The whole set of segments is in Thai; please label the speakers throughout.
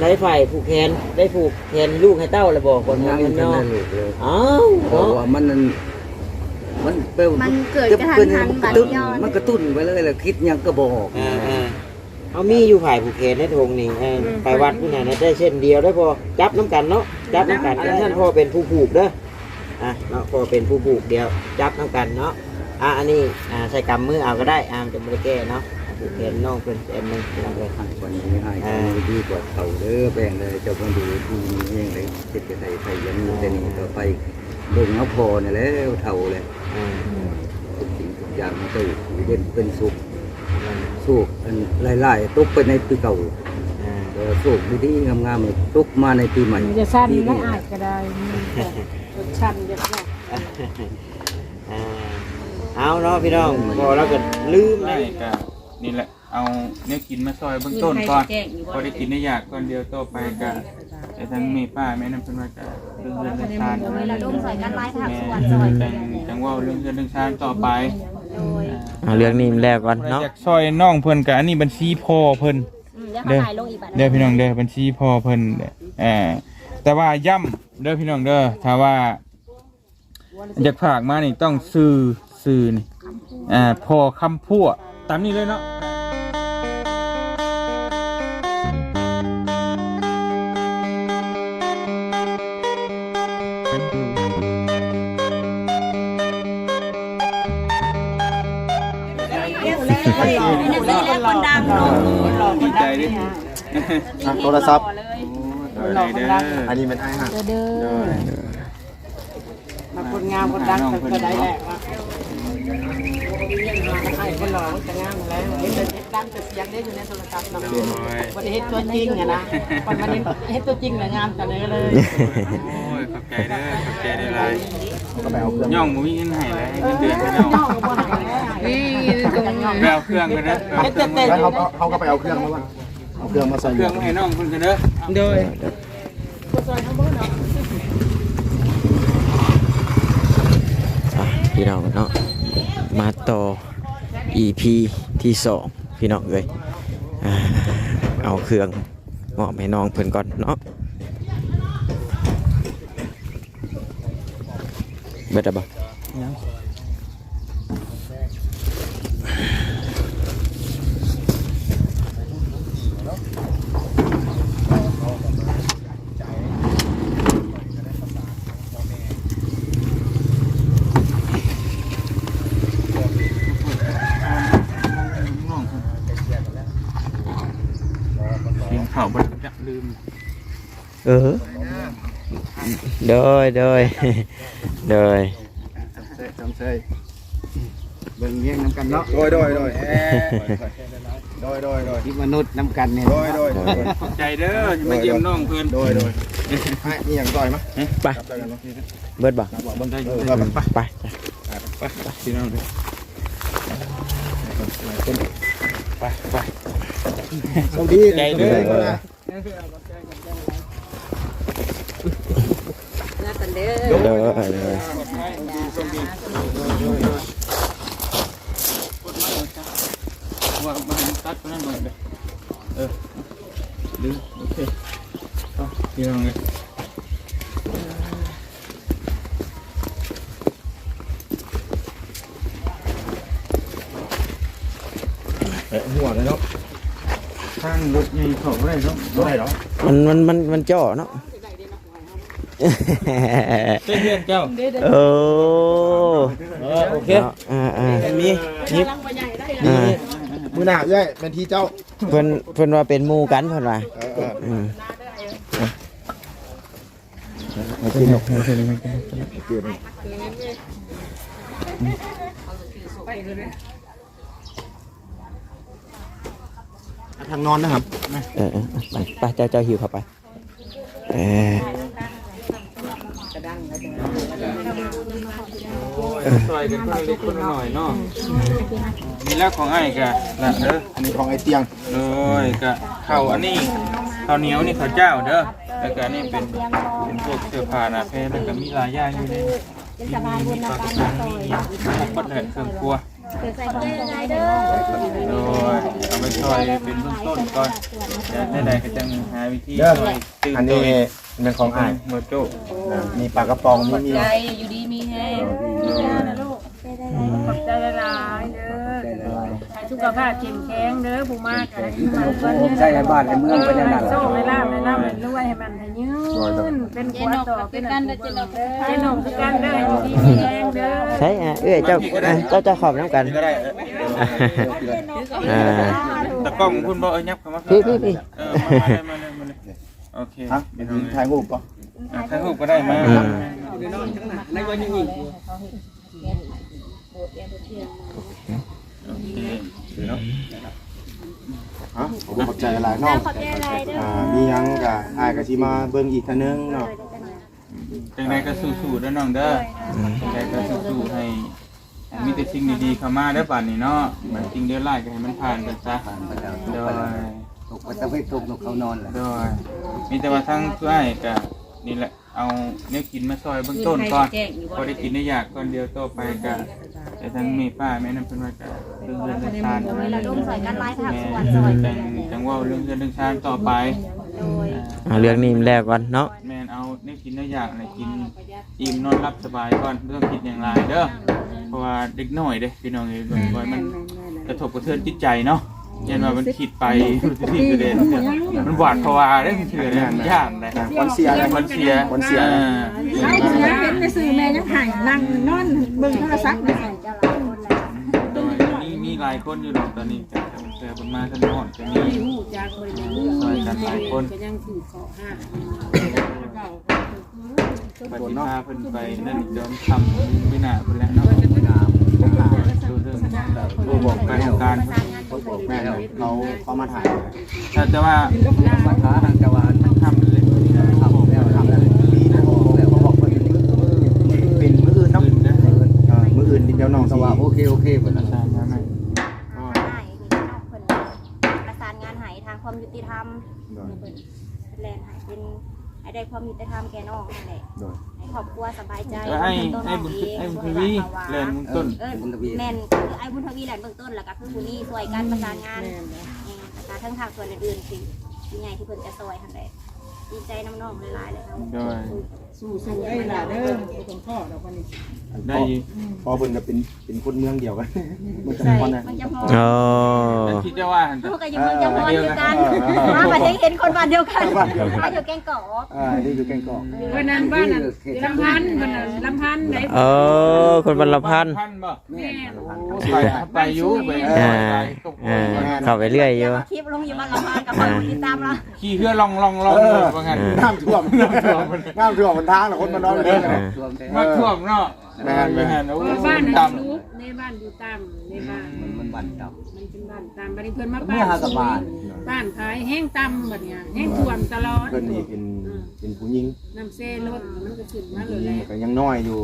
Speaker 1: ได้ฝ่ายผูกแขนได้ผูกแขนลูกให้เต้าเลยบอกคนงานเนาะอ้าวเพราะว่ามันเกิดกระทันหันบัดย้อนมันกระตุ้นไปเลยแหละคิดยังก็บอกเอามีอยู่ฝ่ายผูกแขนในทงนี่ไปวัดผู้ไหนได้เช่นเดียวได้พอจับน้ำกันเนาะจับน้ำกันท่านพ่อเป็นผู้ผูกเด้อเนาะพอเป็นผู้ผูกเดียวจับน้ำกันเนาะอันนี้ใส่กำมือเอาก็ได้จะไม่ได้แก้เนาะผูกแขนน้องเป็นอันนึงเลยวันนี้ให้ดีกว่าเขาเด้อแบ่งเลยเจ้าคนดูดีเองเลยเจ็บจะใส่ยันแต่นี่ต่อไปเบิ่งเอาพอเนี่ยแล้วเท่าเลยทุกสิ่งทุกอย่างมันจะเย็นเป็นสุขสุขอันไล่ๆตกไปในปีเก่าสุขดีๆงามๆตกมาในปีใหม่
Speaker 2: จะสั้นไม่อาจก็ได้ชันจะได้
Speaker 1: เอาเนาะพี่น้องพอแล้วก็ลืม
Speaker 3: ได้ก็นี่แหละเอาเนื้อกินมาซอยเบื้องต้นก่อนพอได้กินได้ยากก่อนเดียวต่อไปก็แต่ทั้งแม่ป้าแม่น้ำเป็นว่าจะเรื่องชาญจังว่าเรื่องชาญต่อไป
Speaker 1: เรื่องนี้แล้วก่อนเนาะ
Speaker 3: อยากซอยน้องเพิ่นกับอันนี้บัญชีพ่อเพิ่นเด้อพี่น้องเด้อบัญชีพ่อเพิ่นแต่ว่าย่ำเด้อพี่น้องเด้อถ้าว่าอยากฝากมานี่ต้องซื้อนี่พอคำพูดตามนี้เลยเนาะดีใจดิ
Speaker 4: โทรศัพท์อันนี้เป็นไอ้ห่า
Speaker 2: มาคนงามคนดังก็ได้แหละว่าไอ้คนหล่อจะงามแล้วเห็นแต่ดังแต่เสียงได้อยู่ในโทรศัพท์นะวันนี้เห็นตัวจริงนะวันนี้เห็นตัวจริงเลยงามแต่เลย
Speaker 3: โอ้ยขอบใจเด้อขอบใจได้เลยย่องมุ้ยเงินให้เลยเงินเดือนไม่ย่องไปเอาเครื่องกันนะ
Speaker 4: เขาก็ไปเอาเครื่องมาว่าเอาเครื่องมาใส่
Speaker 3: เครื่องให้น้องคุณกันเด้อโดย
Speaker 1: พี่น้องเนาะมาต่อ EP ที่2พี่น้องเลยเอาเครื่องมอบให้น้องเพิ่นก่อนเนาะเบ็ดบ่
Speaker 3: เขาบริจาคลืม
Speaker 1: โดยทำเบิ่งเงี้ยน้ำกันเนาะ
Speaker 4: โดย
Speaker 1: ที่มนุษย์น้ำกันเนี่ย
Speaker 3: ใจเด้อมาเยี่ยมน้องเพื่อน
Speaker 4: โดยนี่อย่างต่อยมั้ย
Speaker 1: ไปเบิดบ่ไป
Speaker 3: พี่น้องเลยไป
Speaker 4: สวัสดี
Speaker 3: ใจเด้อว่ามันตัดนั่นหน่อยเลยดึงโอเคพี่น้องเลย
Speaker 4: หัวเลยเนาะ
Speaker 3: ทางรถใหญ่เขาได้เนาะ
Speaker 4: ได้หรอ
Speaker 1: มันจ่อเนาะ
Speaker 3: เพื่อนเจ้าโอเค
Speaker 1: มี
Speaker 4: มือหน้าใหญ่เป็นที่เจ้า
Speaker 1: เพิ่นว่าเป็นหมู่กันเพิ่นว่า
Speaker 4: ทางนอนนะครับ
Speaker 1: ไปเจ้าหิวเข้าไป
Speaker 3: ซอยกันคนเล็กคนหน่อยเนาะมีแล้วของไอ้กะนะ
Speaker 4: อันนี้ของไอ้เตียง
Speaker 3: เลยกะข้าวอันนี้ข้าวเหนียวนี่ข้าวเจ้าเด้อแล้วก็นี่เป็นพวกเสื้อผ้าหน้าเพลแล้วก็มีหลายอย่างอยู่ในมีปลากระป๋องมีพวกปัดแหลกเครื่องครัว
Speaker 5: ใส่ของยังไงเด้อ
Speaker 3: โดยเอาไปช่วยเป็นเบื้องต้นก่อนจะได้ก็จังหาวิธี
Speaker 4: เด้อ
Speaker 3: ช่วยตื่น
Speaker 4: อัน
Speaker 3: ตั
Speaker 4: นี้
Speaker 3: ว
Speaker 4: เป็นของอ้าย
Speaker 3: โมโจ้
Speaker 4: มีปลากระป๋องมี
Speaker 2: ใจอยู่ดีมีแห้งขอบใจหลายๆเด้อให้สุขภาพเข้มแข็งเด้อผู้มากให้มาเพิ่น
Speaker 1: ผมใช้ในบ้านในเมืองเป็นอย่างนั้น
Speaker 2: โชคในลาภในน้ำให้รวยให้มันให้ยืนเป็นขวดต่อเป็นกันเด้อเจนกคือกันเด้ออยู่ดีมีแห้งเด้อ
Speaker 6: ใช่เจ้าขอบน้ำกัน
Speaker 3: ก็ได้ ตะกล้องคุณบ่ยับเข้ามา
Speaker 6: พี่
Speaker 3: มาเลยโอเค
Speaker 4: ฮะถ่ายรูปป่ะ
Speaker 3: ถ่ายรูปก็ได้มา
Speaker 1: ในวันนี้
Speaker 3: โอเค
Speaker 4: ฮะผมขอบใจหลายน้อง
Speaker 5: ขอบใจอะไรเด้อ
Speaker 4: มียังกับอ้ายก็สิมาเบิ่งอีกทีนึงเนาะ
Speaker 3: จังไดก็สู้ๆเด้อน้องเด้อจังไดก็สู้ๆให้มีแต่สิ่งดีๆเข้ามาเด้อป่านนี้เนาะมันจริงเด้อหลายก็ให้มันผ่านไปซะโดย
Speaker 1: ตกไปตะเวนตกเขานอนแหละ
Speaker 3: โดยมีแต่ว่าทั้งช่วยก็นี่แหละเอาเนื้อกินมาซอยเบื้องต้นก่อนพอได้กินได้อยากก่อนเดียวต่อไปก็แต่ทั้งแม่ป้าแม่น้ำเพิ่นว่าก็เรื่องเรื่องชาติ
Speaker 5: เราร่วมสอยกันไล่ทางสวน
Speaker 3: แม่
Speaker 5: สอย
Speaker 3: จังว่าเรื่องเรื่องชาติต่อไป
Speaker 6: เรื่องนี้มันแล้วก่อนเนาะ
Speaker 3: แม่นเอาเนื้อกินได้อยากอะไรกินอิ่มนอนรับสบายก่อนไม่ต้องคิดอย่างไรเด้อเพราะว่าเด็กน้อยเด้พี่น้องเอ้ยมันกระทบกระเทือนจิตใจเนาะยันว่ามันคิดไปที่กระเด็นมันหวาดภาวะได้เถื่อนเลยยากเลย
Speaker 4: วันเสีย
Speaker 3: วันเสีย
Speaker 4: วันเสีย
Speaker 2: เป็นไปซื้อแม่ยังหายนั่งนอนเบิ่งโทรศัพท์นี่
Speaker 3: มีหลายคนอยู่หรอกตอนนี้แต่คนมาท่านนอนจะมีซอยกันหลายคน
Speaker 2: ก็ยังถือขอห้า
Speaker 3: ปฏิภาเพิ่นไปนั่นเดิมทำวินาเพิ่นแล้วเนาะดูเรื่องบอกการทำการ
Speaker 4: แม่เขามาถ่าย
Speaker 3: แต่ว่า
Speaker 1: มาท้าทางจังหวัด
Speaker 3: ทำเลย
Speaker 1: ทำแล้วทำแล้วปีนะแล้วเขาบอกเป็นมื้ออื่นเนาะ
Speaker 4: มื้ออื่นเดี๋ยวน้อง
Speaker 1: ส
Speaker 4: สิ
Speaker 1: ว่าโอเคเพิ่น
Speaker 3: ใช่ใช่ไหม
Speaker 5: ประสานงานหายทางความยุติธรรมแลนหายเป็นให้ได้ความยุติธรรมแก่น้องนั่นแหละให้ครอบครัวสบายใจ
Speaker 3: ให้บุญทวีเรียนบุญต้น
Speaker 5: แม่นคือไอ้บุญทวีแหลนเบื้องต้นแล้วก็คือผู้นี้ช่วยการประสานงานแต่ทั้งทางส่วนอื่นๆสิที่ไงที่เพิ่นจะซอยทันใดดีใจน้ำน้องหลายๆเลยครับ
Speaker 3: ด้วย
Speaker 2: สู้ๆได้ล่ะเด้อต้องพ่อเราคนนี้
Speaker 3: ได้
Speaker 4: พอเพิ่นก็เป็นคนเมืองเดียวกันมันจะ
Speaker 5: ใช่
Speaker 4: พอนะ
Speaker 5: มันจะพอ
Speaker 6: อ๋อ
Speaker 3: คิดว่า
Speaker 5: ลูกก็อยู่เมืองจำพรเดียวกันมาประเทศเห็นคนบ้านเดียวกันมาอยู่แกงเกาะ
Speaker 4: นี่อยู่แกงกอก
Speaker 2: วันนั้นบ้านนั้นลำพันธ์วันนั้นลำพันธ์ไหน
Speaker 6: คนบรรลพัน
Speaker 3: พันบ่
Speaker 5: แม่
Speaker 3: ไปอยู่ไป
Speaker 6: เข้าไปเรื่อยอยู่
Speaker 5: คลิปลงอยู่บ้านลำพันธ์กับคนติดตามเรา
Speaker 3: ขี่เพื่อลองว่างั้น
Speaker 4: น้ำท่วมน้ำท่วมมันทางแล้วคนมานอนเลย
Speaker 3: มาท่วมเนาะ
Speaker 4: แม่น
Speaker 3: แม่นโอ้
Speaker 2: บ้าน
Speaker 3: ต่
Speaker 2: นั้นลูกในบ้านอยู่ตามในบ้าน
Speaker 1: มันบั่นต่
Speaker 2: มันเป็นบ้านตามบ้านเพิ่นมา
Speaker 1: ำเมื่อหากับบ้าน
Speaker 2: บ้านขายแห้งต่ำแบบเนี้ยแห้งท่วมตลอด
Speaker 4: เพิ่นนี่เป็นผู้หญิง
Speaker 2: น้ำเซ่รถมันก็ขึ้นมาเลยแหละ
Speaker 4: ก็ยังน้อยอยู่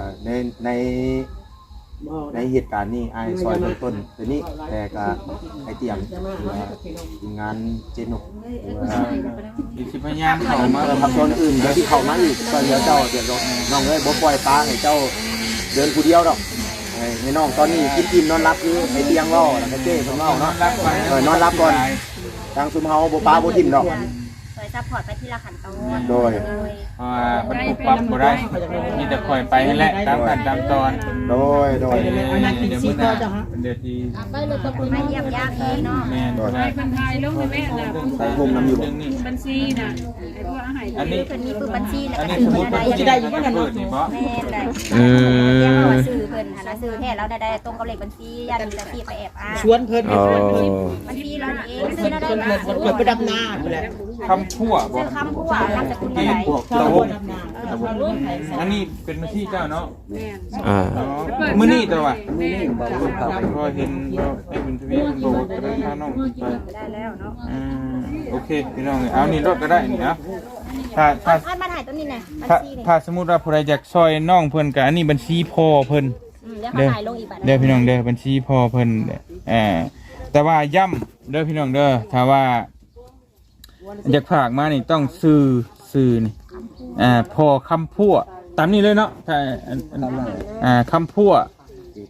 Speaker 4: ในเหตุการณ์นี้ไอ้ซอยเบื้องต้นตัวนี้แต่ก็ไอเตียงทีมงานเจนุก
Speaker 3: ำอีกสิพยายามเข้ามา
Speaker 4: ทำตัวอื่นเดี๋ยวที่เข้ามาอีกก็เดี๋ยวเจ้าเดี๋ยวน้องเอ้ยบ่ปล่อยปลาให้เจ้าเดินผู้เดียวดอกให้น้องตอนนี้กินอิ่มนอนรับอยู่ไอเตียงรอแล้วก็เจ้เพิ่นเว้าเนาะนอนรับก่อนทางซุมเฮาบ่ปลาบ่ทิ่มดอก
Speaker 5: ช่วยซัพพอร์ตไปที่ละขั้นตอน
Speaker 4: โดย
Speaker 3: มันปรับปรับบ่ได้มีแต่คอยไปให้แหละตามขั้นตามตอน
Speaker 4: โดย
Speaker 3: เดี๋ยวมื้อหน้าเป็นเดือนที่
Speaker 5: มาเยี่ยมญาติพี่เนาะ
Speaker 3: แม่น
Speaker 2: ให้คนไทยลงในแม่น่ะ
Speaker 4: ใส่มุมน้ำอยู่บ่
Speaker 2: บัญชีน่ะไอ้พวกอาหาร
Speaker 3: อันนี้
Speaker 5: เพิ่นมีปืนบัญชีแล้ว
Speaker 3: อัน
Speaker 5: ก็
Speaker 3: นี้
Speaker 5: ถื
Speaker 3: สม
Speaker 5: อ
Speaker 3: มุติ
Speaker 5: ได้
Speaker 3: ว่าสิได้อยู่กันเปิดนี่บ่
Speaker 5: แม่ได้เรียกว่าซื้อเพิ่นหันซื้อแท้แล้วได้ตรงกับเลขบัญชียันแต่ที่ไปแอบอ้าง
Speaker 2: ชวนเพิ่น
Speaker 6: อ๋อ
Speaker 5: บัญชีเราเองซื้อแล้วได้
Speaker 2: เกิดไปดำนาแหละ
Speaker 3: คำพั่วบ่
Speaker 5: ซื้อคำผู้ว่านามสกุลอะไร
Speaker 3: พวกตะวงอันนี้เป็นบัญชีเจ้าเนาะ
Speaker 2: แม่น
Speaker 6: อ่า
Speaker 3: มื้อนี้แต่ว่า
Speaker 5: แม่
Speaker 1: บอกลูกเขาไป
Speaker 3: พอเห็นไอ้บุญทวีมันบอกว่าจะพาน้องไป
Speaker 5: ได้แล้วเนาะ
Speaker 3: โอเคพี่น้องเอานี่รถก็ได้นี่นะถ้า
Speaker 5: อันมาถ่ายตรงนี้นะบัญ
Speaker 3: ถ้า
Speaker 5: ชีนี่
Speaker 3: ถ้าสมมุติว่าผู้ใดอยากซอยน้องเพิ่นก็อันนี้บัญชีพ่อเพิ่น
Speaker 5: เดี๋ยวเขาถ่ายลงอีกบัตร
Speaker 3: เด้อพี่น้องเด้อบัญชีพ่อเพิ่นแต่ว่าย้ำเด้อพี่น้องเด้อถ้าว่าอยากฝากมานี่ต้องซื้อนี่พ่อคำพั่วตามนี้เลยเนาะถ้าคำพั่ว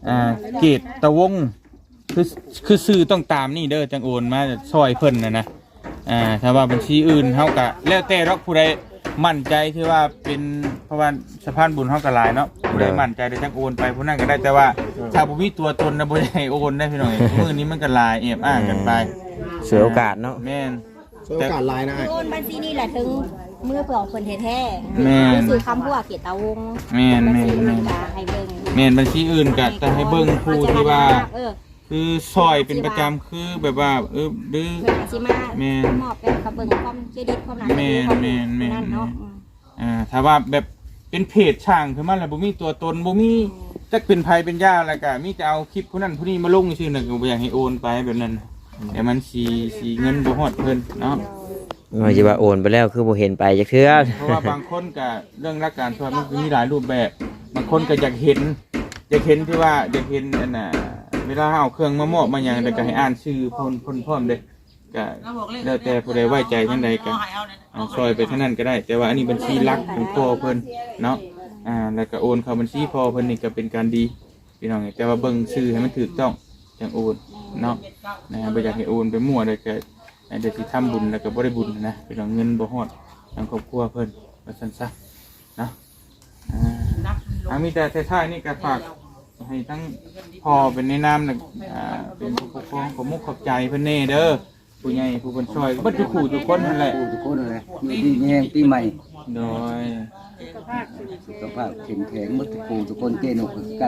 Speaker 3: เกตตะวงคือซื้อต้องตามนี่เด้อจังโอนมาซอยเพิ่นนะถ้าว่าบัญชีอื่นเฮาก็แล้วแต่เราผู้ใดมั่นใจที่ว่าเป็นเพราะว่าสะพานบุญเฮาก็หลายเนาะผู้ใดมั่นใจได้จังโอนไปผู้นั้นก็ได้แต่ว่าถ้าบ่มีตัวตนนะบ่ได้ให้โอนได้พี่น้องมื้อนี้มันก็หลายอ้างกันไป
Speaker 6: เสียโอกาสเนาะ
Speaker 3: แม่น
Speaker 4: โอกาสลายนะ
Speaker 5: โอนบัญชีนี่แหละถึงมือเปล่าคนแท้ๆ
Speaker 3: แม่น
Speaker 5: คือคำพูดเกียรติตาวง
Speaker 3: แม่น
Speaker 5: บัญ
Speaker 3: แม่
Speaker 5: ชี
Speaker 3: น
Speaker 5: มันจะให้เบิ่ง
Speaker 3: แม่นบัญชีอื่นก็จะให้เบิ่งผู้ที่ว่า
Speaker 5: เออ
Speaker 3: คือซอยเป็นประจำคือแบบว่าหรือ
Speaker 5: เพื่อนอาชิมา
Speaker 3: แม่น
Speaker 5: มอบเป็นกับเบิ่งความเครดิตความนั้น
Speaker 3: แม่นแม่นแม่น
Speaker 5: นั่นเนาะ
Speaker 3: ถ้าว่าแบบเป็นเพจช่างขึ้นมาแล้วบ่มีตัวตนบ่มีจักเป็นไผเป็นย่าแล้วก็มีแต่เอาคลิปผู้นั้นผู้นี้มาลงซื่อๆน่ะก็บ่อยากให้โอนไปแบบนั้นแต่มันสิเงินบ่ฮอดเพิ่นเนาะ
Speaker 6: ว่าสิว่าโอนไปแล้วคือบ่เห็นไปจักเทื่อ
Speaker 3: เพราะว่าบางคนก็เรื่องรักการช่วยมันก็มีหลายรูปแบบบางคนก็อยากเห็นที่ว่าอยากเห็นอันน่ะเวลาเอาเครื่องมามอบมาหยังแล้วก็ให้อ่านชื่อพร้อมเด้ก็แล้วแต่ผู้ใดไว้ใจจังใดก็ซอยไปเท่านั้นก็ได้แต่ว่าอันนี้บัญชีหลักของพ่อเพิ่นเนาะแล้วก็โอนเข้าบัญชีพ่อเพิ่นนี่ก็เป็นการดีพี่น้องแต่ว่าเบิ่งชื่อให้มันถูกต้องจังโอนเนาะบ่อยากให้โอนไปมั่วเลยก็เดี๋ยวสิทำบุญแล้วก็บ่ได้บุญนะพี่น้องเงินบ่ฮอดทางครอบครัวเพิ่นว่าซั่นซะเนาะมีแต่ท้ายนี่ก็ฝากให้ทั้งพ่อเป็นในนามน่ะเป็นผู้ปกครองผมมุกขอบใจเพิ่นแน่เด้อผู้ใหญ่ผู้คนช่วยก็บ่ทุกคู่ทุกคนนั่นแหละ
Speaker 1: ทุกคนเลยอยู่ดีแยงปีใหม่
Speaker 3: โดย
Speaker 1: สุขภาพแข็งแข็งหมดทุกคนเกณฑ์ออกกัน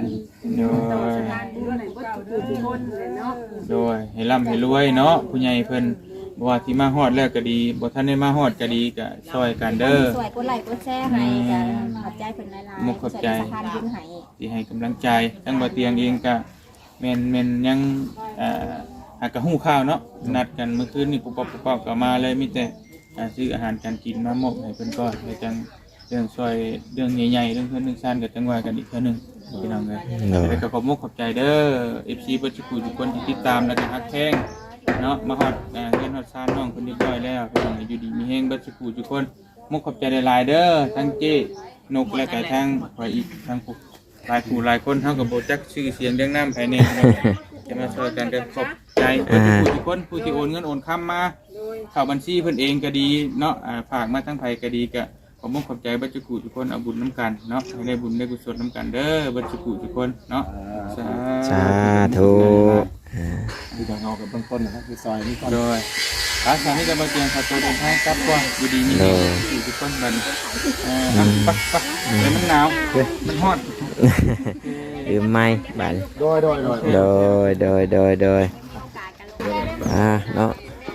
Speaker 3: โดยให้ร่ำให้รวยเนาะผู้ใหญ่เพิ่นบ่ว่าที่มาฮอดแล้วก็ดีบ่ทันได้มาฮอดก็ดีก็ช่วยกันเด้อ
Speaker 5: สวยกดไลค์กดแชร์ให้กันขอบใจเพิ่นหลายๆ
Speaker 3: มุกขอบใจ
Speaker 5: สวยสะพานบุญให้
Speaker 3: ที่ให้กำลังใจทั้งบ่เตียงเองก็แม่นยังหากก็ฮู้ข่าวเนาะนัดกันเมื่อคืนนี่ปุ๊บปั๊บก็มาเลยมีแต่ซื้ออาหารการกินมามอบให้เพิ่นก่อนให้จังเรื่องช่วยเรื่องใหญ่ๆเรื่องเพิ่นเรื่องซ่านก็จังว่ากันอีกเทื่อนึงพี่น้องเอ้ยแล้วก็ขอบมุกขอบใจเด้อ FC เบิดทุกคนที่ติดตามแล้วก็ฮักแท้งเนาะมาฮอดเงินฮอดซ่านน้องเพิ่นเรียบร้อยแล้วพี่น้องอยู่ดีมีแฮงเบิดทุกคนมุกขอบใจหลายๆเด้อทั้งเจ้นกและก็ทั้งข่อยอีกทั้งผู้หลายผู้หลายคนเท่ากับโบจักชื่อเสียงเรื่องน้ำภายในจะมาช่วยกันขอบใจทุกคนผู้ที่โอนเงินโอนคำมาเข้าบัญชีเพิ่นเองก็ดีเนาะฝากมาทั้งไผก็ดีก็ขอบคุณขอบใจบัจจุกุทุกคนเอาบุญน้ำกันเนาะให้ได้บุญได้กุศลน้ำกันเด้อบัจจุกุทุกคนเนาะ
Speaker 6: สาธุ
Speaker 4: ที่จะเอากับเบื้องต้นนะครับคือซอยนี่ก่อน
Speaker 3: โดยภาษาที่จะมาเตียงขับตัวเดินทางกลับก่อนอยู่ดีมีทุกคนบันปักเลยมันหนาวมันฮอด
Speaker 6: ลืมไม้บาด
Speaker 4: โดย
Speaker 6: เนาะ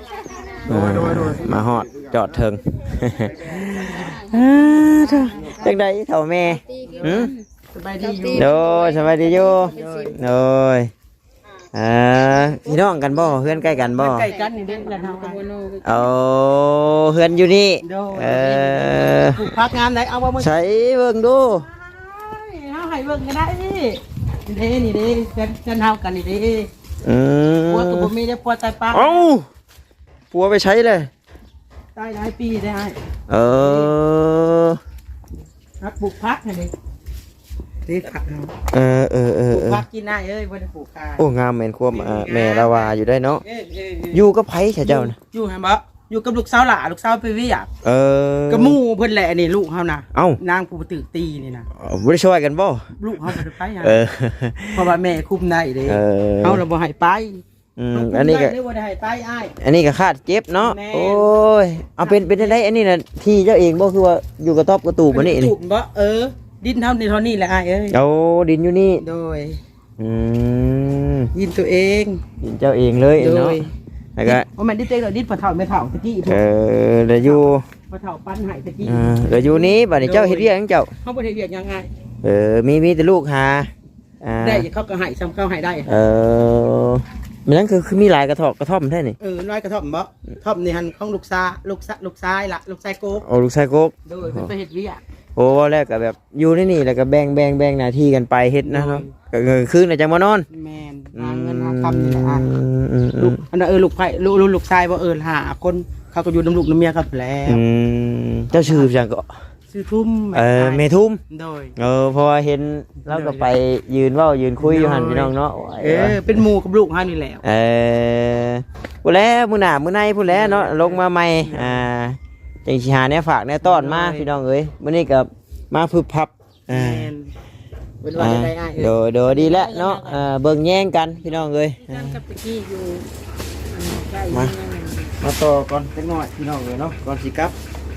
Speaker 6: มาฮอดจอดเทิงจังได๋เฒ่าแม่
Speaker 2: สบายดีอยู่
Speaker 6: โดยสบายดีอยู่โดยพี่น้องกันบ่เฮือนใกล้กันบ่
Speaker 2: ใกล้กันนี่เด้อแล้วเฮากัน
Speaker 6: เอาเฮือนอยู่นี่
Speaker 2: ปลูกผักงามได้เอาบ่มื้อ
Speaker 6: ใช้เบิ่งดู
Speaker 2: เฮาให้เบิ่งก็ได้นี่เด้นี่เด้กันเฮากันนี่เด้ปัวก็บ่มีได้ปัวตายปาก
Speaker 6: เอ้าปัวไปใช้เลย
Speaker 2: ตายหลายปีได้ฮักปลูกผักให้นี่นี่ผักเฮาผักกินได้เอ้ยบ่ได้ปลูกขาย
Speaker 6: โอ้งามแม่นควมแม่ละว่าอยู่ได้เนาะอยู่กับไผเจ้าน่ะ
Speaker 2: อยู่หั่นบ่อยู่กับลูกสาวหล่าลูกสาวไปเวียกกับหมู่เพิ่นแหละนี่ลูกเฮานะนางผู้ตึกตีนี่นะ
Speaker 6: บ่ได้ช่วยกันบ่
Speaker 2: ลูกเฮาบ่ได้ไปหาเพราะว่าแม่คุมได้เด้เฮาน่ะบ่ให้ไป
Speaker 6: อันนี้ก็
Speaker 2: บ่ได้ให้ไปอ้าย
Speaker 6: อันนี้ก็คาดเจ็บเนาะโอ้ยเอาเป็นได้อันนี้น่ะที่เจ้าเองบ่คือว่าอยู่กระต๊อบกระตูบบ่นี่นี่
Speaker 2: บ่ดินเท่านี้แหละอ้ายเอ้ย
Speaker 6: เอาดินอยู่นี่
Speaker 2: โดยดินตัวเอง
Speaker 6: ดินเจ้าเองเลยเนาะแล้วก็
Speaker 2: บ่แม่นดินตัวเองดินพ่อเฒ่าแม่เฒ่าตะกี้พุ่น
Speaker 6: เดี๋ยวอยู่
Speaker 2: พ่อเฒ่าปั้นให้ตะกี้
Speaker 6: เดี๋ยวอยู่นี้บัดนี้เจ้าเฮ็ดเวียกจังเจ้า
Speaker 2: เฮาบ่ได้เวียกยังไง
Speaker 6: มีแต่ลูกหา
Speaker 2: ได้เขาก็ให้ซ้ำเขาให้ได้
Speaker 6: มันนั่นคือมีหลายกระท่อมแท้นี่
Speaker 2: น้อยกระท่อมบ่ท่อมนี่หั่นของลูกชายล่ะลูกชายโกก
Speaker 6: โอ้ลูกชายโกก
Speaker 2: โดยเพิ่นไปเฮ็ดเวียก
Speaker 6: โอ้แรกก็แบบอยู่ในนี่แล้วก็แบ่งหน้าที่กันไปเฮ็ดนะเนาะก็คืนน่ะจังมานอน
Speaker 2: แม่นหาเงินหาคำนี่แหละลูกอันนั้นลูกไผลูกชายบ่หาคนเขาก็อยู่นำลูกนำเมียครับแล้ว
Speaker 6: เจ้าชื่อจังก็
Speaker 2: ชื่ชื่อทุ่ม
Speaker 6: เมทุ่ม
Speaker 2: โดย
Speaker 6: เพราะว่าเห็นเราก็ไปยืนเว้ายืนคุยอยู่หั่นพี่น้องเนาะ
Speaker 2: เป็นหมู่กับลูกเฮานี่แหละ
Speaker 6: พู้นแหล้วมื้อหน้ามื้อในพู้นแหล้วเนาะลงมาใหม่จังสิหาแนวฝากแนวต้อนมาพี่น้องเอ้ยมื้อนี้ก็มาพึบพับ
Speaker 2: เป็นว่าได้อ้าย
Speaker 6: โดดีแล้วเนาะเบิ่งแย่งกันพี่น้องเอ้ย
Speaker 2: กันกับตะกี้อยู่
Speaker 6: มาต่อก่อนสักหน่อยพี่น้องเอ้ยเนาะก่อนสิกลับ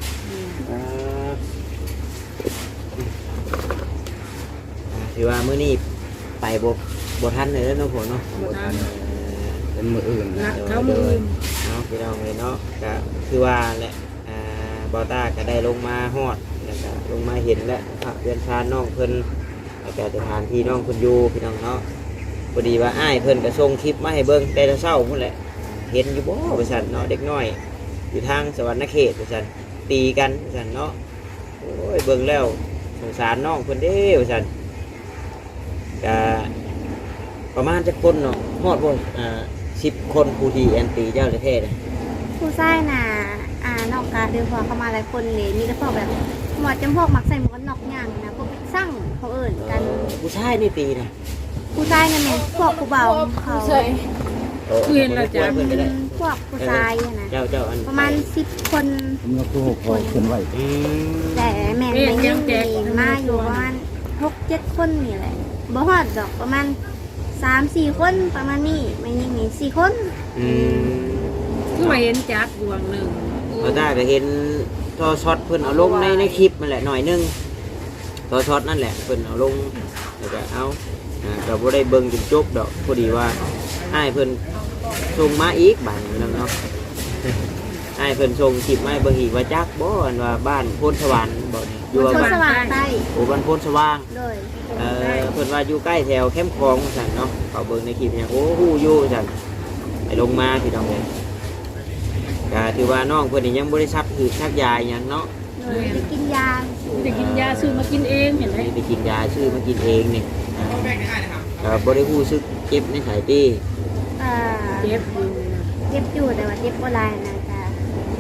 Speaker 6: ถือว่ามื้อนี้ไปบ่ทันเลยเนาะพ่อเนาะ
Speaker 1: เป็นมืออื่น
Speaker 2: เขามือ
Speaker 6: เนาะพี่น้องเลยเนาะก็คือว่าแหละบอต้าก็ได้ลงมาฮอดแล้วก็ลงมาเห็นแล้วพระเรือนชานน้องเพิ่นแล้วก็สถานที่น้องเพิ่นอยู่พี่น้องเนาะพอดีว่าอ้ายเพิ่นก็ส่งคลิปมาให้เบิ่งแต่เช้าพุ่นแหละเห็นอยู่บ่ว่าซั่นเนาะเด็กน้อยอยู่ทางสวรรณเขตว่าซั่นตีกันว่าซั่นเนาะโอ้ยเบิ่งแล้วสงสารน้องเพิ่นเด้ว่าซั่นก็ประมาณจักคนเนาะฮอดบ่10 คนผู้ที่แอนตีเจ้าประเทศเลย
Speaker 5: ผู้ชายน่ะนอกจากเดินพอเข้ามาหลายคนเลยมีแต่พวกแบบหมวดจำพวกมักใส่หมวกกันน็อกย่างนะพวกสร้างเขาเอิ่นกัน
Speaker 6: ผู้ชายนี่ตีนะ
Speaker 5: ผู้ชายนั่นแหละพวกผู้เบาเขา
Speaker 2: คือเห็นแล้วจ้ะ
Speaker 5: พวกผู้ชายอะนะ
Speaker 6: เจ้าอัน
Speaker 5: ประมาณ10 คน
Speaker 1: ผมยกตัวพอขึ้นไหว
Speaker 5: แต่แม่นไม่ยิ่งมีมาอยู่ประมาณ6-7 คนนี่แหละบ่ฮอดดอกประมาณ3-4 คนประมาณนี้ไม่ยิ่งมี4 คน
Speaker 2: คือว่าเห็นจักดวงหนึ่ง
Speaker 6: เราได้ก็เห็นทอช็อตเพิ่นเอาลงในคลิปมันแหละหน่อยนึงทอช็อตนั่นแหละเพิ่นเอาลงแล้วก็เอาก็บ่ได้เบิ่งจนจบดอกพอดีว่าอ้ายเพิ่นส่งมาอีกบ้านนึงเนาะอ้ายเพิ่นส่งคลิปมาให้เบิ่งอีกว่าจักบ่อันว่าบ้านโพนสวรรค์บ่นี่อยู่
Speaker 5: คน
Speaker 6: บ้าน
Speaker 5: สว่างใต้
Speaker 6: โอ้บ้านโพนสว่าง
Speaker 5: โดย
Speaker 6: เพิ่นว่าอยู่ใกล้แถวแคมป์คลองสั่นเนาะเขาเบิ่งในคลิปเนี่ยโอ้ฮู้อยู่สั่นไปลงมาพี่น้องเลยก็ถือว่าน้องเพิ่นนี่ยังบ่ได้ซักคือซักยาหยังเนาะ
Speaker 5: ไปกินยา
Speaker 2: จะกินยาซื้อมากินเองเห็นไหม
Speaker 6: ไปกินยาชื่อมากินเองนี่ก็บ่ได้ฮู้สึกเจ็บในสายตี
Speaker 2: เจ็บอยู่
Speaker 5: เจ็บอยู่แต่ว่าเจ็บบ่หลายนะจ๊ะ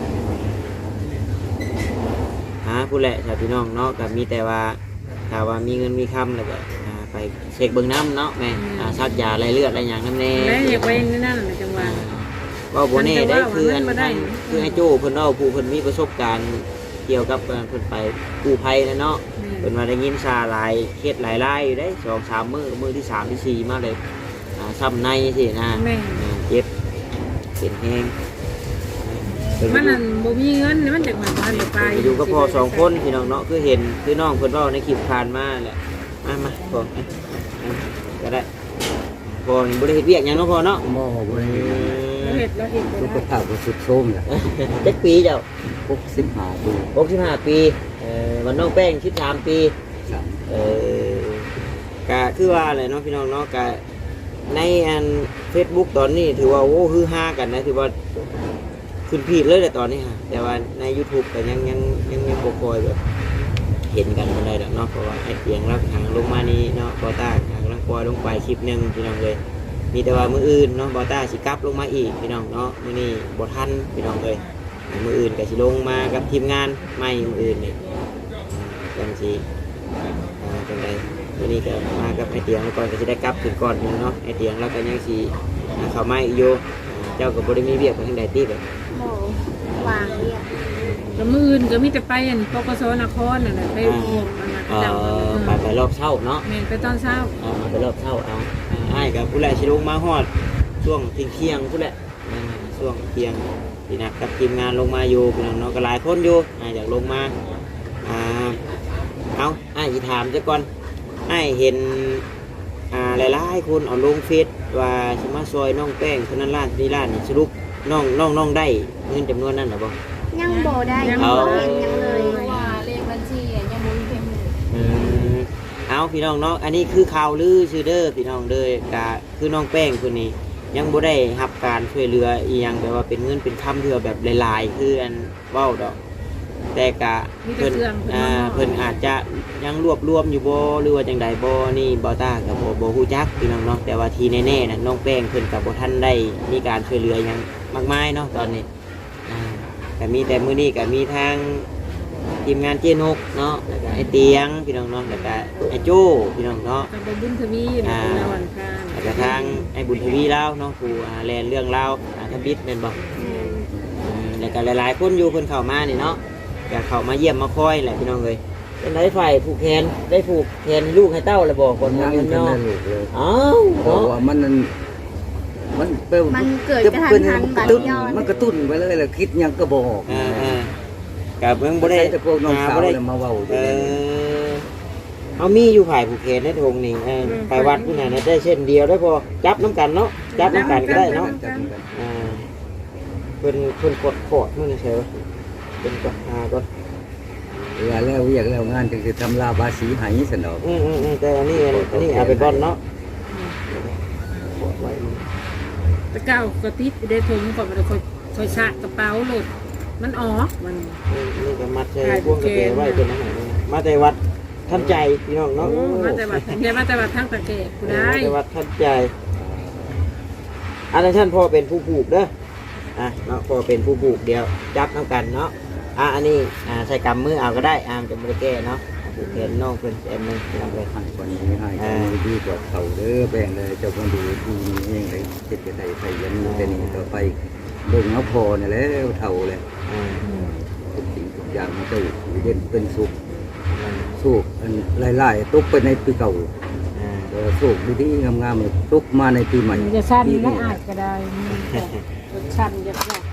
Speaker 6: หาผู้แหละชาวพี่น้องเนาะก็มีแต่ว่าถ้าว่ามีเงินมีคำแล้วก็ไปเช็คเบิ่งน้ำเนาะแม่ซักยาไรเลือดอะไรอย่างนั้นแน่
Speaker 2: แล้วอยากไปนั่นแหละจังหวะ
Speaker 6: ว่าบ่แน่ได้คืออัน
Speaker 2: มันบ่ได้
Speaker 6: คือไอ้โจ้เพิ่นเล่าผู้เพิ่นมีประสบการณ์เกี่ยวกับเพิ่นไปกู้ภัยนะเนาะเพิ่นมาได้ยินซาหลายเคสหลายรายอยู่ได้2-3 มื้อที่3ที่4มาเลยซ้ำในสินะเจ็บเป็นแห้ง
Speaker 2: มันนั่นบ่มีเงินมันจากมันบ้านไป
Speaker 6: อยู่กับพ่อ2 คนพี่น้องเนาะคือเห็นคือน้องเพิ่นเว้าในคลิปผ่านมาแหละมาพ่อก็ได้พ่อนี่บ่ได้เฮ็ดเวียกหยังเนาะพ่อเนาะ
Speaker 1: หม้อไว้
Speaker 2: เห็ดแล้วเห็ด
Speaker 1: ลูกกระเพราก็สุดโทรมแหละ
Speaker 6: จักปีเจ้า
Speaker 1: 65 ปี
Speaker 6: 65 ปีวันน้องแป้ง13 ปีก็คือว่าอะไรเนาะพี่น้องเนาะก็ในอัน Facebook ตอนนี้ถือว่าโอ้ฮือฮากันนะถือว่าขึ้นพีดเลยแต่ตอนนี้ฮะแต่ว่าใน YouTube ก็ยังบ่ค่อยแบบเห็นกันบ่ได้ดอกเนาะเพราะว่าไอ้เสียงรับทางลงมานี้เนาะบอต้าทางลังปล่อยลงไปคลิปนึงพี่น้องเลยมีแต่ว่ามื้ออื่นเนาะบอต้าสิกลับลงมาอีกพี่น้องเนาะมื้อนี้บ่ทันพี่น้องเลยมื้ออื่นก็สิลงมากับทีมงานใหม่มื้ออื่นนี่จังสิจังไดมื้อนี้ก็มากับไอ้เตียงแล้วก่อนก็สิได้กลับถึงก่อนเนาะไอ้เตียงแล้วก็ยังสิเข้ามาอีกอยู่เจ้าก็บ่ได้มีเวียกไปทางใดติแบบ
Speaker 5: โหวางเรียก
Speaker 2: ก็มื้ออื่นก็มีแต่ไปอันปกสนครนั่นแหละไปโอ้มันน่ะเจ้า
Speaker 6: ไปรอบเช้าเนาะ
Speaker 2: แม่นไปตอนเช้า
Speaker 6: ไปรอบเช้าเอาอ้ายกับผู้แหละชิลงมาฮอดช่วงเที่ยงผู้แหละช่วงเที่ยงพี่นักกับทีมงานลงมาอยู่พี่น้องเนาะก็หลายคนอยู่อยากลงมาเอาอ้ายสิถามซะก่อนอ้ายเห็นหลายๆคนเอาลงเฟซว่าสิมาซอยน้องแป้งคนนั้นล้านนี่ล้านนี่สรุปน้องได้เงินจำนวนนั้นหรือเปล่า
Speaker 5: ยังบ่ได้ยังบ่เห็นยังเลยว่าเลขบัญชียังบ่มีเพิ่ม
Speaker 6: เอาพี่น้องเนาะอันนี้คือข่าวลือชื่อเด้อพี่น้องเด้อกะคือน้องแป้งคนนี้ยังบ่ได้รับการช่วยเหลืออีหยังแบบว่าเป็นเงินเป็นคำเทื่อแบบหลายๆคืออันเว้าดอกแต่กะเพิ่นอาจจะยังรวบรวมอยู่บ่หรือว่าจังใดบ่นี่บ่ตากับบ่ฮู้จักพี่น้องเนาะแต่ว่าที่แน่ๆน่ะน้องแป้งเพิ่นก็บ่ทันได้มีการช่วยเหลือหยังมากมายเนาะตอนนี้ก็มีแต่มื้อนี้ก็มีทางทีมงานเจนกเนาะแล้วก็ไอเตียงพี่น้องเนาะแล้วก็ไอโจ้พี่น้องเนาะ
Speaker 2: กับบุญทวีนะวันพาน
Speaker 6: แล้วก็ทางไอบุญทวีเล่าเนาะผู้แลนเรื่องเล่าทบิดเป็นบอกแล้วก็หลายๆคนอยู่คนเข้ามานี่เนาะอยากเข้ามาเยี่ยมมาคอยแหละพี่น้องเลยเป็นได้ฝ่ายผูกแขนได้ผูกแขนลูกให้เต้าเลยบอกคน
Speaker 1: ยั
Speaker 6: นั้น
Speaker 1: ง
Speaker 6: เนาะ
Speaker 1: ลูกเลย
Speaker 6: อ้าว
Speaker 1: เพราะ
Speaker 6: เนาะ
Speaker 1: ว่ามันเป
Speaker 5: มันเกิดกระทันหันบัดย้อน
Speaker 1: มันกระตุ้นไปเลยแหละคิดยังก็บอก
Speaker 6: กับเมืองบ่ได้
Speaker 1: แต่พวกน้องสาวเลยมาเว้าอยู่นี่
Speaker 6: เอามีอยู่ฝ่ายผูกแขนในทงนี่ไปวัดผู้นั้นได้เช่นเดียวได้พอจับน้ำกันเนาะจับน้ำกันก็ได้เนาะเพิ่นกดขอดนู่นนี่ใช่ปะเป็นกดก่อน
Speaker 1: เวลาแล้วเรียกแล้วงานจึงจะทำลาบาสีไหสนอก
Speaker 6: แต่อันนี้เอาไปก่อนเนาะ
Speaker 2: ตะเก้ากระติดได้ถุงก่อนมันคอยชะกระเป๋าหลุดมันออกมัน
Speaker 6: นี่ก็มัดใส่พวงกระเบนไว้เป็นอาหารมาแต่วัดท่านใจพี่น้องเนาะ
Speaker 2: มาแต่วัดทั้งตะเกียบกูได้
Speaker 6: มาแต่วัดท่านใจอันนั้นท่านพ่อเป็นผู้ผูกเด้อเนาะพ่อเป็นผู้ผูกเดียวจับน้ำกันเนาะอันนี้ใส่กำมือเอาก็ได้จะไม่ได้แก้เนาะผูกแขนน้องเพิ่นแอนนึงทำเลย
Speaker 1: ให้คนนี้ให้ดีกว่าเขาเด้อแบ่งเลยเจ้าคนดูดีเองเลยเจ็ดจะได้ไทยยันแต่นี่ต่อไปเบิ่งเอาพอเนี่ยแล้วเท่าเลยทุกสิ่งทุกอย่างมันจะเย็นเป็นสุขสุขอันไล่ๆตุกไปในปีเก่าสุขดีๆงามๆตุกมาในปีใหม่
Speaker 2: จะสั้นและอาจก็ได้สั้นจะแบบ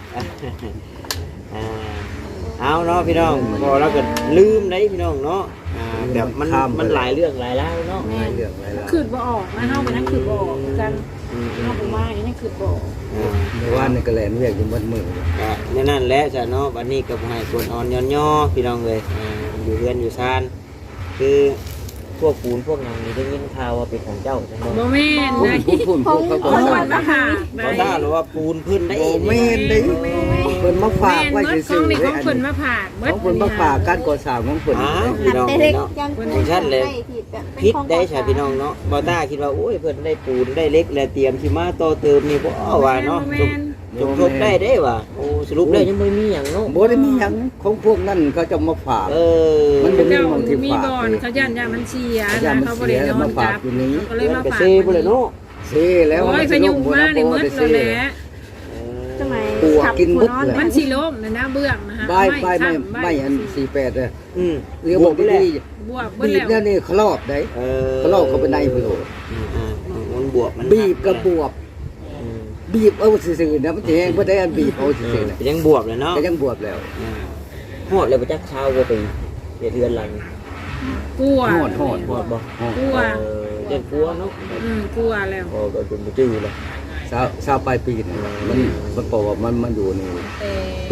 Speaker 6: เอาเนาะพี่น้องพอเราก็ลืมได้พี่น้องเนาะแบบมันหลายเรื่องหลายแล้วเนาะ
Speaker 1: เรื่องอะไรล่ะ
Speaker 2: ขืดบ่ออกนะเฮาไปนั่งขืดบ่ออกกันเฮาไปว่าอย่างนี้ขืดบ่ออก
Speaker 1: ในว่านในกระแลนเรียกอยู่มัดมือ
Speaker 6: นั่นแหละจ้ะเนาะวันนี้ก็ให้คนอ่อนย้อนย่อพี่น้องเลยอยู่เรือนอยู่ซานคือพวกปูนพวกนางนี่ได้ยินข่าวว่าเป็นของเจ้าใช่ไหม
Speaker 2: บ่แม่นได้
Speaker 1: พูดเขาก็
Speaker 2: คน
Speaker 1: ทรา
Speaker 2: วั
Speaker 1: บ
Speaker 2: นมาค่ะ
Speaker 6: เขาได้หรือว่าปูนพื้นได้
Speaker 1: โอ้แม่นได้เพิ่นมาฝากไว้
Speaker 2: เมื่อ
Speaker 1: ซื่
Speaker 2: ขอ
Speaker 1: องๆ
Speaker 2: นี่
Speaker 1: เล
Speaker 2: ขอย ง
Speaker 1: อัน
Speaker 2: เพิ่น
Speaker 1: นี้
Speaker 2: มาผ่า
Speaker 1: ของเพิ่นมาฝากการก่อสร้างของเพิ่น
Speaker 6: พี่น้อง
Speaker 5: แต่
Speaker 6: เนาะ
Speaker 5: เล็กยังเป็น
Speaker 6: ชั้นเลย
Speaker 5: แบบเป็น
Speaker 6: พิษ
Speaker 5: ของ
Speaker 6: ได้ใช่พี่น้องเนาะบอต้าคิดว่าโอ้ยเพิ่นได้ปูนได้เล็กและเตรียมสิมาต่อเติมนี่บ่ว่าเนาะจบได้เด้ว่ะโอ้สรุปได้ยังบ่มีหยังเนาะ
Speaker 1: บ่ได้มีหยังของพวกนั้นเขาจะมาฝาก มันเป็น
Speaker 2: เจ้า
Speaker 1: ของที่
Speaker 2: มี
Speaker 1: ฝาก
Speaker 2: บ่อนเขาย่านยามันเสีย
Speaker 1: ย่า
Speaker 2: นะ
Speaker 1: มัน
Speaker 2: เขาบ่
Speaker 1: เสี
Speaker 2: ได้
Speaker 1: ย
Speaker 2: นอน
Speaker 1: มาฝา
Speaker 2: จั
Speaker 1: ก
Speaker 2: บ
Speaker 1: อยู่นี้
Speaker 2: ก็เลย
Speaker 6: เพิ่น
Speaker 2: มา
Speaker 6: ก็
Speaker 2: ฝาก
Speaker 6: เซ่บ่เลยเนาะ
Speaker 1: เซ่แล้ว
Speaker 2: โอ้ยขยุงมาในมืดเลยแหละ
Speaker 5: สมัย
Speaker 1: ปวกกินมืดเลย
Speaker 2: มันสิล้มนะเบื้องนะฮะ
Speaker 1: ไม่อัน48เลย
Speaker 6: Ừ.
Speaker 1: เรียกว่าดี
Speaker 2: บวก
Speaker 1: บีบเนี่ยนี่คลอบได้คลอบเข้าไปในพุ่นโล
Speaker 6: มันบวกมัน
Speaker 1: บีบกับบวบบีบเอาซื่อๆนะมันสิแห้งบ่ได้อันบีบเอาซื่อๆน่ะ
Speaker 6: ยังบวกเลยเนาะ
Speaker 1: ก็ยังบวบแล้ว
Speaker 6: ฮอดเลยบ่จักเช้าบ่เป็นเดือนหลัง
Speaker 2: กลัว
Speaker 1: ฮอด
Speaker 6: ฮอดบ่
Speaker 2: กลัว
Speaker 6: เดือนกลัวเนาะ
Speaker 2: กลัวแล้ว
Speaker 6: พอก็จนบ่จื้อแล้ว
Speaker 1: ชาวปลายปีนี่มันบอกว่ามันอยู่นี่ปี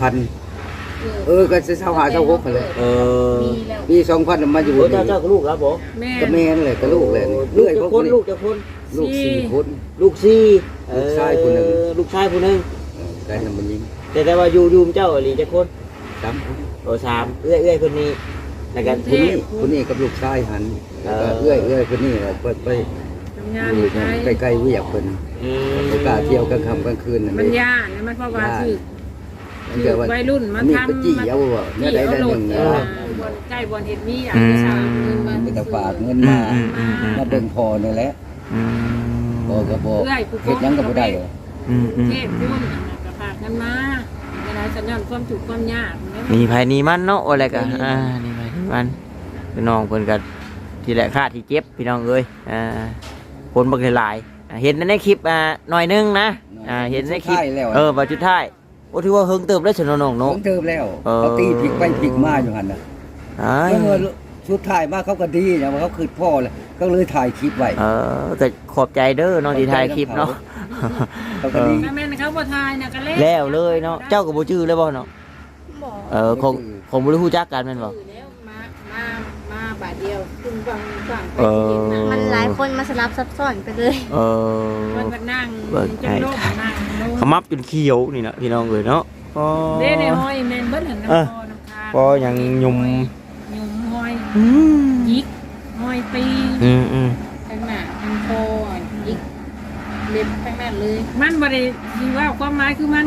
Speaker 1: 2000ก็จะชาวหาชาว6เลยปี 2000มันมาอยู่
Speaker 6: โอ้
Speaker 1: นี่
Speaker 6: เจ้ากับลูกครับบ่
Speaker 2: แม่
Speaker 1: ก็แม่นเลยก็ลูกเลยนี่
Speaker 6: ลูก
Speaker 1: เรื่อย
Speaker 6: จะ
Speaker 1: พวก
Speaker 6: คน
Speaker 1: นี้
Speaker 6: ลูกจะคน
Speaker 1: ลูก4คน
Speaker 6: ลูก4
Speaker 1: ลูกชายผู้หนึ่ง
Speaker 6: ลูกชายผู้หนึง
Speaker 1: ได้นำมันยิง
Speaker 6: แต่ว่าอยู่เจ้าอีหลีจะคน
Speaker 1: 3คน
Speaker 6: โอ้3เอื้อยคนนี้แล้วกัน
Speaker 1: คนนี้กับลูกชายหันแล้วก็เอื้อยคนนี้แหละเปิดไป
Speaker 2: ทำงาน
Speaker 1: อ
Speaker 2: อยู่ ยู่ไทย
Speaker 1: ใกล้ๆเวียกเพิ่นไปกล้าเที่ยวกลางค่ำกลางคืนนั่น
Speaker 2: มัน
Speaker 1: เอง
Speaker 2: ยากนะมันเพราะว่าคือ
Speaker 1: มันเกิดว่า
Speaker 2: วัยรุ่นมัน
Speaker 1: มี
Speaker 2: ทำ
Speaker 1: ไปจี้เอาว่าเนี่ยได้หนึ่ง
Speaker 2: บนใกล้บนเห็ดมีอย่างที่สาวเงินมา
Speaker 1: ไปตะฝากเงินมามาเบิ่งพอนี่แหละพอก็บอกเฮ็ดหยังก็บ่ได้หรอก
Speaker 2: เทพพุ่นกระพากกันมาเวลาสัญญาณความถูกความยาก
Speaker 6: มีไผนี่มันเนาะอะไรกันนี่ไผนี่มันพี่น้องเพิ่นก็ที่แหละค่าที่เจ็บพี่น้องเอ้ยคนบักหลายเห็นในคลิปหน่อยนึงนะเห็นในคลิปบัดสุดท้ายโอ้ถือว่าเฮิงเติบได้ฉนน้องเนาะ
Speaker 1: เติมแล้วเขาตีพลิกไปพลิกมาอยู่หั่นน่ะแล้วสุดท้ายมาเขาก็ดีนะว่าเขาคือพ่อเลยก็เลยถ่ายคลิปไว้
Speaker 6: ก็ขอบใจเด้อน้องที่ถ่ายคลิปเนาะ
Speaker 1: เขาก็ดี
Speaker 2: แม่นเขาบ่ทายนะก็เล่
Speaker 6: แล้วเลยเนาะเจ้าก็บ่ชื่อเลยบ่เนาะคงบ่ได้ฮู้จักกันแม่นบ่
Speaker 2: แล้วมาบาทเดียวคุณฟัง
Speaker 5: มันหลายคนมาสลับซับซ้อนไปเลย
Speaker 2: มันก็นั่งจนโลกนั่ง
Speaker 6: ขมับจนเขียวนี่นะพี่น้องเอ้ยเนาะ
Speaker 2: เด้ในห้อยแม่นเบิดหันน้ำคอน้ำคา
Speaker 6: พอยังยุ่ม
Speaker 2: ยุ่มห้อยยิกห้อยตีข้างหน้าข้างคอยิกเล็บข้างหน้าเลยมันบ่ได้สิว่าความหมายคือมันกับ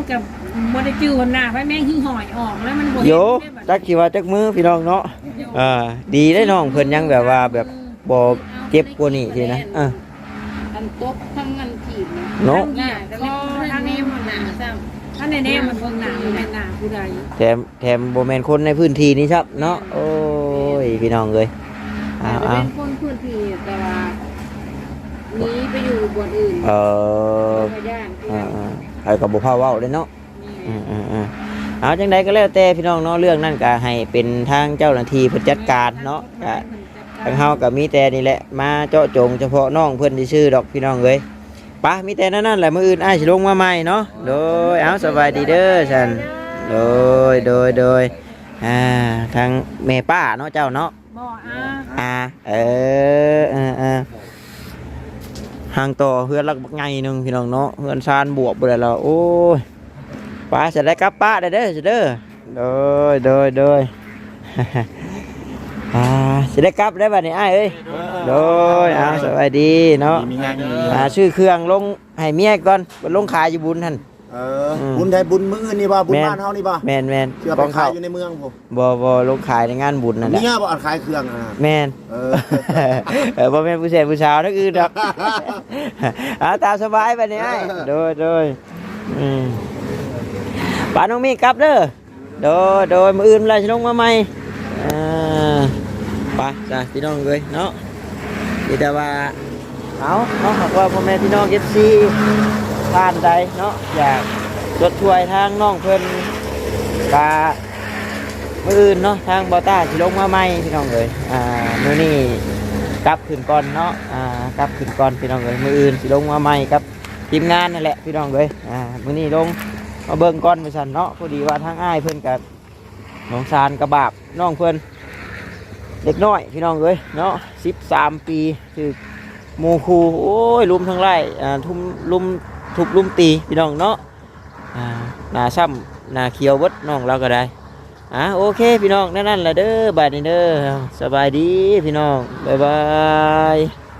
Speaker 2: บ่ได้จื้อหัวหน้าไฟแม่งหิ้งหอยออกแล้วมันบ่
Speaker 6: โยจักสิว่าจักมือพี่น้องเนาะดีได้น้องเพิ่นยังแบบว่าแบบบ่เจ็บกว่านี้สินะ
Speaker 2: อันตบทั้งอันถีบ
Speaker 6: เนาะ
Speaker 2: หน้าก็ทางนี้มันหน้าซ้ำถ้าแน่ๆมันเบิ่งหน้ามันเป็นหน้าผู้ใด
Speaker 6: แถมบ่แม่นคนในพื้นที่นี้ครับเนาะโอ้ยพี่น้องเอ้ย
Speaker 2: เป็นคนพื้นที่แต่ว่าหนีไปอยู่บ่อนอื่น
Speaker 6: ก็บ่พาเว้าเลยเนาะเอาจังใดก็แล้วแต่พี่น้องเนาะเรื่องนั้นก็ให้เป็นทางเจ้าหน้าที่เพิ่นจัดการเนาะก็ทางเฮาก็มีแต่นี่แหละมาเจาะจงเฉพาะน้องเพิ่นที่ชื่อดอกพี่น้องเอ้ยปะมีแต่นั่นแหละมื้ออื่นอ้ายสิลงมาใหม่เนาะโดยเอาสบายดีเด้อฉันโดยทางแม่ป้าเนาะเจ้าเนาะ
Speaker 2: บ่
Speaker 6: ห่างต่อเฮือนลักไงนึงพี่น้องเนาะเฮือนซานบวกบ่ได้แล้วโอ้ยป้าจะได้กลับป้าได้เด้อเด้อโดยจะได้กลับได้บัดนี้อ้ายเอ้ยโดยสวัสดีเนาะชื่อเครื่องลงให้เมียก่อนลงขายอยู่บุญท่าน
Speaker 4: บุญไทยบุญมื้อนี่บ่บุญบ้านเฮานี่บ่
Speaker 6: แม่น
Speaker 4: เชื่อไปขายอยู่ในเมืองผม
Speaker 6: บ่ลงขายในงานบุญนั่นแหละ
Speaker 4: เมียบ่ขายเครื่อง
Speaker 6: แม่นบ่แม่นผู้ชายผู้สาวนักอื่นดอกตามสบายบัดนี้อ้ายโดยป้าน้องมีกลับเด้อโดยมื้ออื่นล่ะสิลงมาใหม่ไปจ้ะพี่น้องเลยเนาะนี่แต่ว่าเอาเนาะว่าพ่อแม่พี่น้อง FC ผ่านใดเนาะอยากรถช่วยทางน้องเพิ่นกะมื้ออื่นเนาะทางบอต้าสิลงมาใหม่พี่น้องเลยมื้อนี้กลับขึ้นก่อนเนาะกลับขึ้นก่อนพี่น้องเลยมื้ออื่นสิลงมาใหม่ครับทีมงานนั่นแหละพี่น้องเลยมื้อนี้ลงมาเบิ่งก่อนไปสั่นเนาะพอดีว่าทางอ้ายเพิ่นกับน้องซานกระบาบน้องเพิ่นเด็กน้อยพี่น้องเลยเนาะ13 ปีคือโมคูโอ้ยลุมทั้งไร่ทุบตีพี่น้องเนาะหน้าซ้ำหน้าเขียวเบิดน้องเราก็ได้โอเคพี่น้องนั่นแหละเด้อบายนี้เด้อสบายดีพี่น้องบ๊ายบาย